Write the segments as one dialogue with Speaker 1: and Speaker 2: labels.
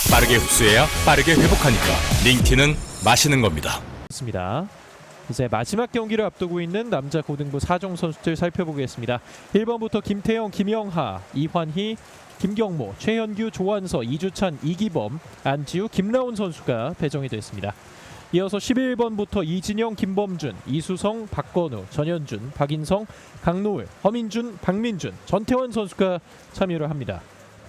Speaker 1: 빠르게 흡수해야 빠르게 회복하니까 링티는 마시는 겁니다.
Speaker 2: 좋습니다. 이제 마지막 경기를 앞두고 있는 남자 고등부 4종 선수들 살펴보겠습니다. 1번부터 김태영, 김영하, 이환희, 김경모, 최현규, 조한서, 이주찬, 이기범, 안지우, 김라운 선수가 배정이 됐습니다. 이어서 11번부터 이진영, 김범준, 이수성, 박건우, 전현준, 박인성, 강노을, 허민준, 박민준, 전태원 선수가 참여를 합니다.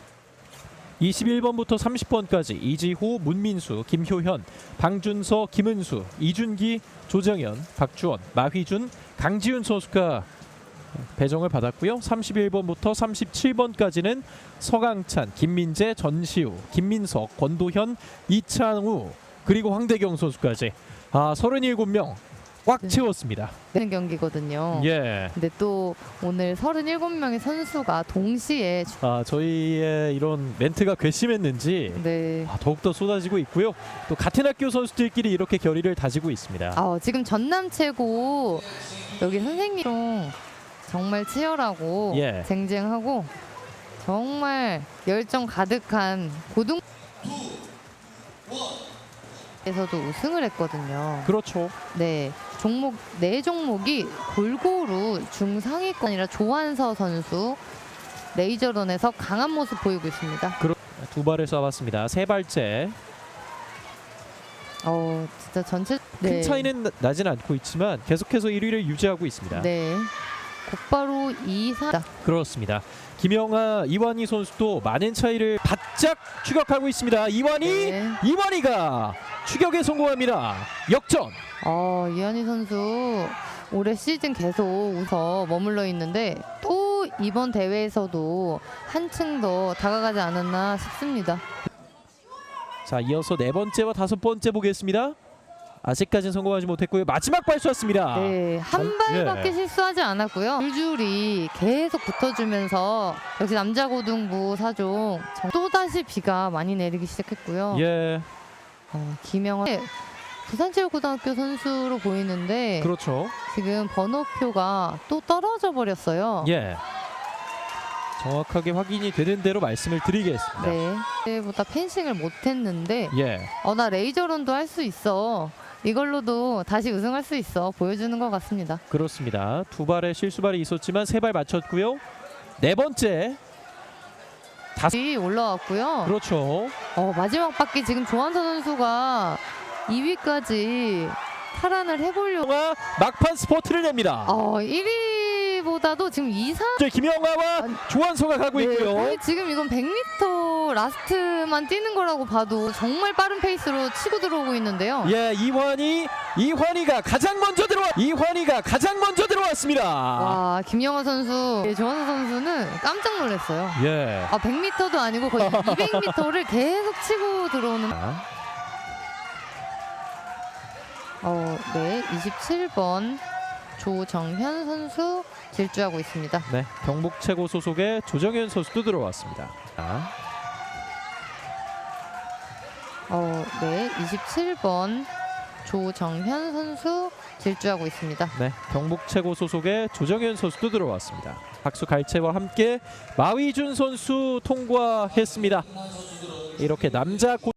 Speaker 2: 21번부터 30번까지 이지호, 문민수, 김효현, 방준서, 김은수, 이준기, 조정현, 박주원, 마휘준, 강지훈 선수가 배정을 받았고요. 31번부터 37번까지는 서강찬, 김민재, 전시우, 김민석, 권도현, 이창우 그리고 황대경 선수까지 37명 꽉 채웠습니다.
Speaker 3: 되는 경기거든요.
Speaker 2: 예.
Speaker 3: 근데 또 오늘 37명의 선수가 동시에
Speaker 2: 저희의 이런 멘트가 괘씸했는지
Speaker 3: 네.
Speaker 2: 더욱더 쏟아지고 있고요. 또 같은 학교 선수들끼리 이렇게 결의를 다지고 있습니다.
Speaker 3: 지금 전남 최고 여기 선생님 정말 치열하고
Speaker 2: 예.
Speaker 3: 쟁쟁하고 정말 열정 가득한 고등 에서도 우승을 했거든요.
Speaker 2: 그렇죠.
Speaker 3: 네, 종목 네 종목이 골고루 중상위권이라 조한서 선수 레이저런에서 강한 모습 보이고 있습니다.
Speaker 2: 두 발을 쏴봤습니다. 세 발째.
Speaker 3: 진짜 전체
Speaker 2: 큰 차이는 나진 않고 있지만 계속해서 1위를 유지하고 있습니다.
Speaker 3: 네, 곧바로 2사
Speaker 2: 그렇습니다. 김영하, 이완희 선수도 많은 차이를 바짝 추격하고 있습니다. 이완희가 추격에 성공합니다. 역전.
Speaker 3: 이한희 선수 올해 시즌 계속 우서 머물러 있는데 또 이번 대회에서도 한층 더 다가가지 않았나 싶습니다.
Speaker 2: 자, 이어서 네 번째와 다섯 번째 보겠습니다. 아직까지는 성공하지 못했고요. 마지막 발 쐈습니다.
Speaker 3: 네, 한 발밖에
Speaker 2: 예.
Speaker 3: 실수하지 않았고요. 줄줄이 계속 붙어주면서 역시 남자 고등부 4종 또다시 비가 많이 내리기 시작했고요.
Speaker 2: 예,
Speaker 3: 김영하 부산체육고등학교 선수로 보이는데
Speaker 2: 그렇죠.
Speaker 3: 지금 번호표가 또 떨어져 버렸어요.
Speaker 2: 예, 정확하게 확인이 되는 대로 말씀을 드리겠습니다.
Speaker 3: 네, 그때보다 펜싱을 못했는데
Speaker 2: 예,
Speaker 3: 나 레이저런도 할 수 있어. 이걸로도 다시 우승할 수 있어 보여주는 것 같습니다.
Speaker 2: 그렇습니다. 두 발의 실수발이 있었지만 세 발 맞췄고요. 네 번째.
Speaker 3: 올라왔고요.
Speaker 2: 그렇죠.
Speaker 3: 마지막 바퀴 지금 조한서 선수가 2위까지 탈환을 해보려고
Speaker 2: 막판 스포트를 냅니다.
Speaker 3: 1위보다도 지금 2사
Speaker 2: 이제 김영하와 조한서가 가고 있고요.
Speaker 3: 거의 지금 이건 100m 라스트만 뛰는 거라고 봐도 정말 빠른 페이스로 치고 들어오고 있는데요.
Speaker 2: 예, 이환희가 가장 먼저 들어왔습니다.
Speaker 3: 와, 김영하 선수, 조한서 선수는 깜짝 놀랐어요.
Speaker 2: 예.
Speaker 3: 100m도 아니고 거의 200m를 계속 치고 들어오는. 네, 27번 조정현 선수 질주하고 있습니다.
Speaker 2: 네, 경북 최고 소속의 조정현 선수도 들어왔습니다.
Speaker 3: 네, 27번 조정현 선수 질주하고 있습니다.
Speaker 2: 네, 경북 최고 소속의 조정현 선수도 들어왔습니다. 박수 갈채와 함께 마휘준 선수 통과했습니다. 이렇게 남자